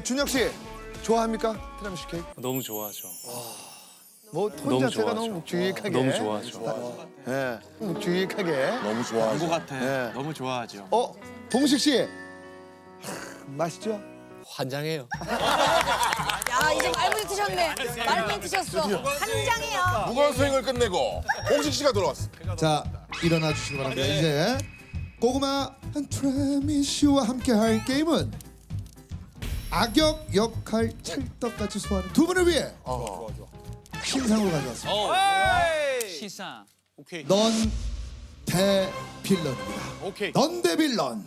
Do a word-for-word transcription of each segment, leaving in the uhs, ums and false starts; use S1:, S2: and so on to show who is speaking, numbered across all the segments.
S1: 준혁 씨 좋아합니까? 티라미수 케이크?
S2: 너무 좋아하죠.
S1: 뭐 톤
S2: 너무
S1: 자체가
S2: 좋아하죠.
S1: 너무 묵직하게.
S2: 너무 좋아하죠.
S1: 예, 묵직하게.
S3: 너무 좋아하죠.
S4: 것 같아.
S1: 예.
S4: 너무 좋아하죠.
S1: 어, 봉식 씨. 하, 맛있죠?
S2: 환장해요.
S5: 야 이제 말문이 트셨네. 말문이 트셨어. 한 장이야.
S3: 무거운 스윙을 끝내고 홍식 씨가 돌아왔어.
S1: 자, 일어나 주시기 바랍니다. 이제 고구마 티라미수와 함께할 게임은 악역 역할 찰떡같이 소화하는 두 분을 위해 신상으로 가져왔습니다.
S4: 시상. 오케이.
S1: 넌 대빌런입니다.
S4: 오케이.
S1: 넌 대빌런.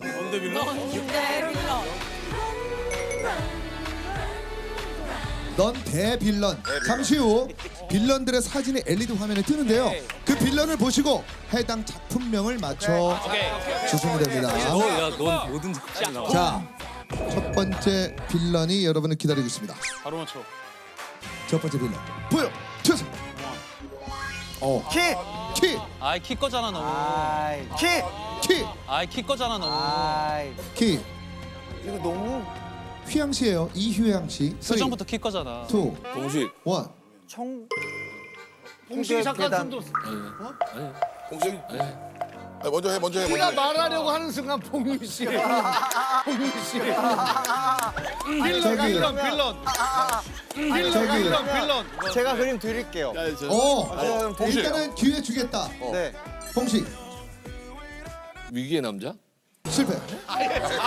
S1: 넌 대빌런. 잠시 후 빌런들의 사진이 엘이디 화면에 뜨는데요. 그 빌런을 보시고 해당 작품명을 맞춰 주시면 됩니다.
S2: 너야넌 뭐든 잘 나와.
S1: 자, 첫 번째 빌런이 여러분을 기다리고 있습니다.
S4: 바로 맞춰.
S1: 첫 번째 빌런 보여 주세요. 어,
S4: 키.
S1: 키,
S4: 아이 키 거잖아 너. 키.
S1: 키,
S4: 아이 키 거잖아 너.
S1: 키.
S4: 이거 너무.
S1: 휘양 씨예요. 이휘양 씨.
S4: 표정부터 키 거잖아.
S1: 투,
S3: 홍식.
S1: 원.
S6: 청
S7: 홍식이 잠깐 좀더
S3: 홍식. 아니, 먼저 해, 먼저 해.
S7: 네가
S3: 먼저 해.
S7: 말하려고 하는 순간 봉유 씨, 봉유 씨. 빌런,
S1: 저기.
S7: 빌런, 빌런. 빌런,
S1: 저기.
S7: 빌런, 빌런.
S6: 제가 그림 드릴게요.
S1: 어,
S3: 봉식.
S1: 일단은 기회 주겠다.
S6: 네.
S1: 봉식
S2: 위기의 남자?
S1: 실패.
S4: 아예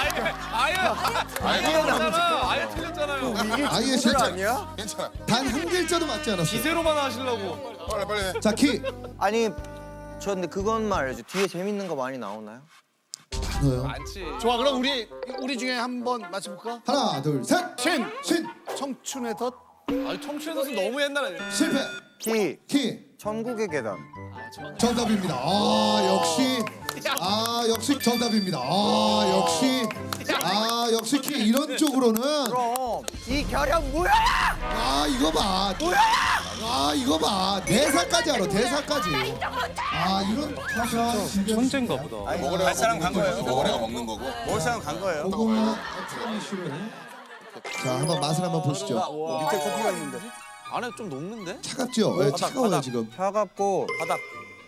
S4: 틀렸잖아. 아예 틀렸잖아요.
S1: 아예 실패.
S6: 아니야?
S3: 괜찮아.
S1: 단 한 글자도 맞지 않았어요.
S4: 기세로만 하시려고.
S3: 빨리 빨리 해.
S1: 자, 키.
S6: 아니 저 근데 그것만 알죠. 뒤에 재밌는 거 많이 나오나요?
S1: 너요.
S4: 많지.
S7: 좋아, 그럼 우리 우리 중에 한번 맞춰볼까?
S1: 하나, 둘, 셋.
S7: 신,
S1: 신.
S7: 청춘의 덫.
S4: 아니 청춘에서 너무 옛날에.
S1: 실패.
S6: 키
S1: 키.
S6: 천국의 계단.
S1: 정답입니다. 아, 역시. 아, 역시 정답입니다. 아, 역시. 아, 역시 키 이런 쪽으로는.
S6: 그럼 이 결연 뭐야?
S1: 아, 이거 봐. 아, 이거 봐. 대사까지 알아. 대사까지. 아, 이런 가사.
S2: 천재인가 보다.
S3: 먹으래가 사람 간 거예요. 먹으래가 먹는 거고.
S6: 먹을 사람 간 거예요.
S1: 고구마 티라미수를. 자, 한번 맛을 한번 보시죠.
S6: 밑에 커피가 있는데.
S4: 안에 좀 녹는데?
S1: 차갑죠? 네, 차가워요 지금.
S6: 차갑고 바닥.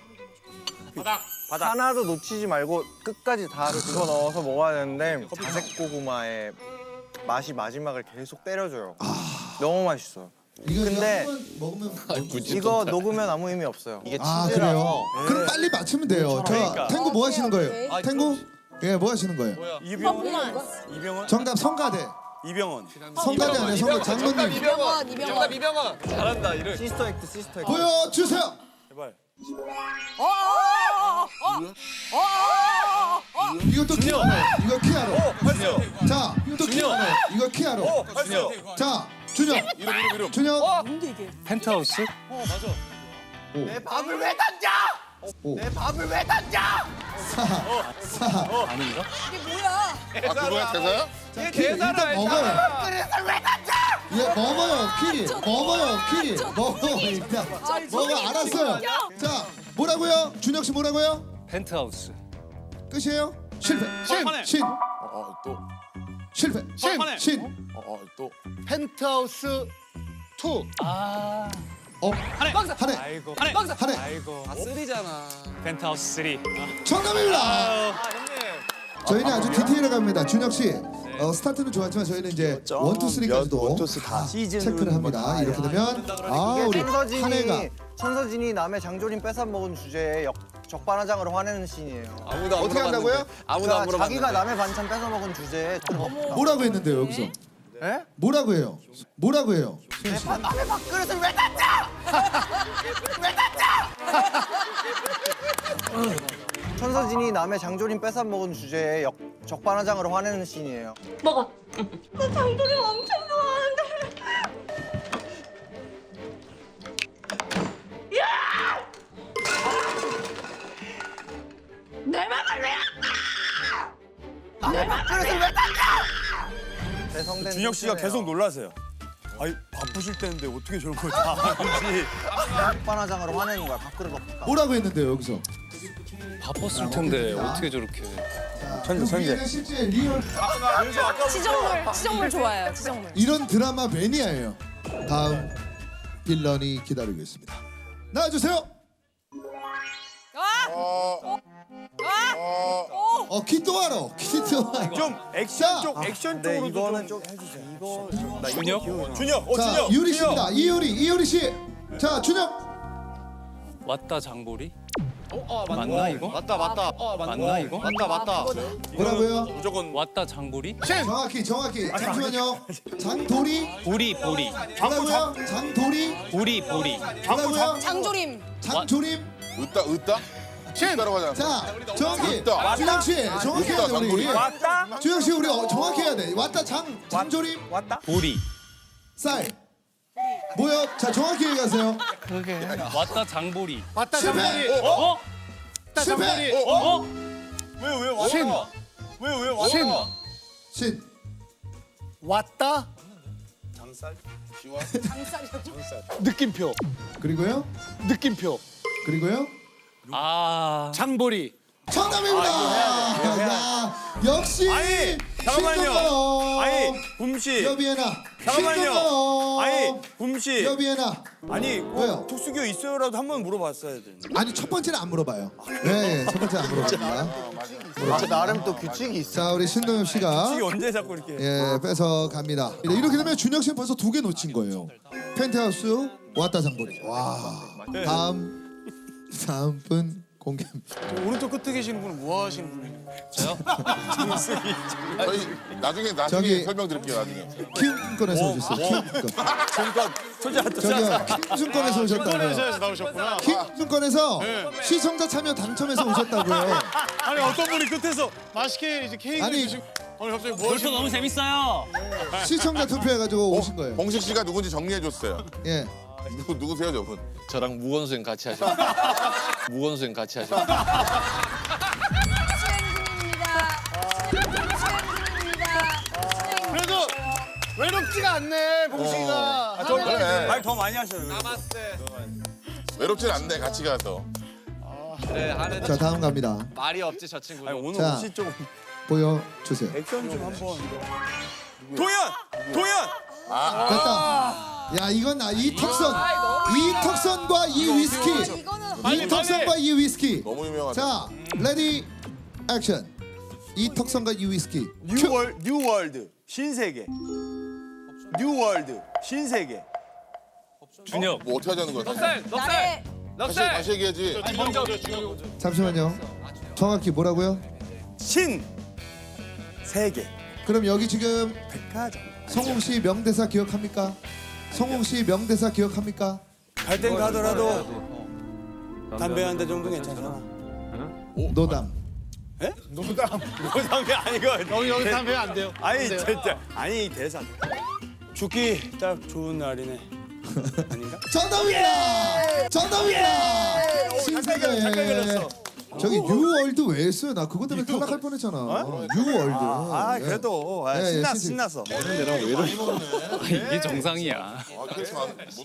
S6: 바닥. 하나도 놓치지 말고 끝까지 다 집어 넣어서 먹어야 되는데 자색 고구마의 맛이 마지막을 계속 때려줘요. 너무 맛있어요.
S1: 이거
S6: 근데
S1: 한번 먹으면
S6: 이거 녹으면 아무 의미 없어요. 이게
S1: 아,
S6: 치즈라서.
S1: 그래요? 그럼 빨리 맞추면 돼요. 저 탱고 뭐 하시는 거예요?
S5: 오케이.
S1: 탱고? 예, 뭐 하시는 거예요?
S5: 퍼포먼스.
S1: 정답 성가대.
S4: 이병헌.
S1: 성가대 아니에요, 성가 장모님.
S5: 이병헌, 이병헌.
S4: 이병헌. 잘한다 이를.
S6: 시스터 액트 시스터 액트.
S1: 보여주세요.
S5: 어, 어, 어, 어, 어, 어, 어.
S1: 이것도 키하러. 이거 키하러.
S4: 했어요.
S1: 자, 이것도 키하러. 이거 키하러.
S4: 했어요.
S1: 자, 준혁.
S3: 이름 이름 이름.
S1: 준혁.
S5: 뭔데 이게?
S2: 펜트하우스?
S6: 내 밥을 왜 던져?
S1: 오.
S6: 내 밥을 왜 던져?
S1: 사. 사.
S2: 아닌가?
S5: 이게 뭐야?
S3: 아 그거야 대사야?
S1: 자, 키 일단 먹어요.
S6: 그래서 왜 던져?
S1: 예, 먹어요, 키. 먹어요, 키. 먹어 일단. 먹어, 알았어요. 자, 뭐라고요? 준혁 씨 뭐라고요?
S2: 펜트하우스.
S1: 끝이에요? 실패.
S4: 신.
S1: 신.
S3: 어어 또.
S1: 실패.
S4: 신.
S1: 신.
S3: 어어 또.
S7: 펜트하우스 투.
S2: 아.
S1: 어.
S4: 한해.
S1: 한해.
S2: 아이고.
S4: 한해.
S1: 한해.
S2: 아이고. 아 쓰리잖아. 펜트하우스 쓰리.
S1: 정답입니다.
S4: 아 형님.
S1: 저희는 아주 디테일하게 갑니다. 준혁 씨, 어, 스타트는 좋았지만 저희는 이제 원, 투, 쓰리까지도 체크를 합니다. 이렇게 되면 아, 우리
S6: 천서진이
S1: 한해가
S6: 천서진이 남의 장조림 뺏어 먹은 주제에 역, 적반하장으로 화내는 씬이에요.
S4: 아무도 안
S1: 어떻게 한다고요?
S4: 아무도 안
S6: 그러니까
S4: 물어봤는데.
S6: 자기가 남의 반찬 뺏어 먹은 주제에
S1: 뭐라고 했는데요, 여기서?
S6: 에?
S1: 뭐라고 해요? 뭐라고 해요?
S6: 남의 밥그릇을 왜 던져? 왜 던져? 천서진이 남의 장조림 뺏어 먹은 주제에 역, 적반하장으로 화내는 씬이에요.
S5: 먹어. 나 장조림 엄청 좋아하는데. 내 맘을 왜
S6: 남의 밥그릇을 왜 던져? 대성된
S4: 준혁 씨가
S6: 씬이에요.
S4: 계속 놀라세요. 아니 바쁘실 때인데 어떻게 저런 걸 다 하는지.
S6: 빵바나장으로 화내는 거야. 밥그릇 없다.
S1: 뭐라고 했는데요 여기서?
S2: 바빴을 텐데 어떻게 저렇게.
S1: 천재 천재. 실제 리얼
S5: 치정물, 치정물 좋아해요. 치정물.
S1: 이런 드라마 매니아예요. 다음 빌런이 기다리고 있습니다. 나와주세요. 어 키토하러 키토하러.
S4: 좀
S1: 자,
S4: 액션 쪽 액션
S6: 네,
S4: 쪽으로
S6: 이거는
S4: 좀
S6: 좀
S4: 해주세요.
S6: 이거
S2: 준혁?
S4: 준혁, 어
S1: 자
S4: 준혁.
S1: 유리
S4: 준혁.
S1: 씨입니다. 이효리 이효리 씨. 자 준혁.
S2: 왔다 장보리? 맞나 이거?
S4: 맞다 맞다.
S2: 맞나 이거?
S4: 맞다 맞다.
S1: 뭐라고요?
S4: 무조건
S2: 왔다 장보리?
S1: 정확히 정확히 잠시만요. 장도리
S2: 보리 보리
S1: 뭐라고요? 장도리
S2: 보리 보리.
S1: 뭐라고요?
S5: 장조림.
S1: 장조림.
S3: 으따 으따? 따라고 하잖아.
S1: 자 정확히
S3: 왔다.
S1: 준혁 씨 정확히 해야 돼 우리.
S3: 장도리.
S4: 왔다.
S1: 준혁 씨 우리 어, 정확히 해야 돼. 왔다 장 장조림
S4: 왔다.
S2: 보리.
S1: 쌀. 뭐요? 자 정확히 얘기하세요.
S2: 왔다 장보리.
S7: 왔다
S1: 실패.
S7: 장보리.
S2: 어?
S1: 실패.
S2: 어?
S4: 왜왜 왔다?
S7: 신.
S4: 왜왜 왔다?
S7: 신.
S1: 신.
S7: 왔다
S4: 장살.
S3: 시원.
S7: 느낌표.
S1: 그리고요.
S7: 느낌표.
S1: 그리고요.
S2: 아.
S7: 장보리.
S1: 정답입니다. 야, 역시
S4: 아니, 잠깐만요.
S1: 신동엽.
S4: 아니 붐씨.
S1: 여비에나.
S4: 잠깐만요.
S1: 신동엽.
S4: 아니 붐씨.
S1: 여비에나.
S4: 아니
S1: 왜요?
S4: 뭐 특수교 있어요라도 한번 물어봤어야 되는데.
S1: 아니 첫 번째는 안 물어봐요. 네, 첫 번째 안 물어봅니다.
S6: 아, 나름 또 규칙이 있어.
S1: 자, 우리 신동엽 씨가
S4: 이게 언제 자꾸 이렇게.
S1: 예 뺏어 갑니다. 이렇게 되면 준혁 씨는 벌써 두 개 놓친 거예요. 펜트하우스 왔다 장보리. 와. 다음 다음 분 공개합니다.
S4: 오른쪽 끝에 계시는 분은 뭐 하시는 분이에요?
S2: 저요?
S3: 저희 나중에 나중에
S1: 저기-
S3: 설명드릴게요 나중에.
S1: 키움권에서 오셨어요. 키움권.
S4: 잠깐 소자
S1: 저기요 키움권에서 오셨다고요.
S4: 나오셨구나.
S1: 키움권에서 시청자 참여 당첨해서 오셨다고요.
S4: 아니 어떤 분이 끝에서
S7: 맛있게 이제 케이크
S1: 아니
S7: 드시고. 아니 갑자기 뭐
S2: 벌써 너무 재밌어요.
S1: 시청자 투표해가지고 오신 거예요.
S3: 봉식 씨가 누군지 정리해 줬어요.
S1: 예.
S3: 누구 누구세요 저분?
S8: 저랑 무건수행 같이 하죠. 무건수행 같이 하죠.
S5: 수행 중입니다. 수행 중입니다. 수행
S7: 그래도 외롭지가 않네 봉식이가.
S4: 좀
S3: 그래.
S4: 말 더 많이 하셔요.
S3: 외롭진 않네 같이 가서.
S8: 그래 하는
S1: 자 다음 갑니다.
S8: 말이 없지 저 친구.
S4: 아니 오늘
S1: 자.
S4: 옷이 좀
S1: 보여주세요.
S4: 액션 좀 한번. 도현, 도현.
S1: 됐다. 야 이건 아, 이 턱선, 이 턱선과 이 위스키,
S5: 이거는
S1: 이 턱선과 이 위스키.
S3: 너무 유명하다.
S1: 자 레디 액션. 이 턱선과 이 위스키. 큐.
S4: 뉴월 뉴월드 신세계. 뉴월드 신세계.
S2: 준혁.
S3: 뭐 어떻게 하자는 거야?
S5: 나의
S3: 다시 다시 얘기하지.
S1: 잠시만요. 정확히 뭐라고요?
S4: 신 세계.
S1: 그럼 여기 지금
S4: 백화점.
S1: 성웅 씨 명대사 기억합니까? 성웅 씨 명대사 기억합니까?
S4: 갈 땐 가더라도 담배 한 대 정도 괜찮잖아.
S1: 노담.
S4: 에? 노담. 노담이 아니고.
S7: 여기 여기 담배 안 돼요.
S4: 아니 진짜 아니 대사. 죽기 딱 좋은 날이네. 아닌가?
S1: 정답입니다. 정답입니다. 신세계.
S4: 잠깐 걸렸어.
S1: 저기 뉴월드 왜 했어요? 나 그것 때문에 탈락할 뻔했잖아. 뉴월드.
S4: 아
S1: 예.
S4: 그래도 아,
S1: 예, 예,
S4: 신났
S1: 신세-
S4: 신났어.
S2: 이게 정상이야.
S3: 아, 그렇지 않-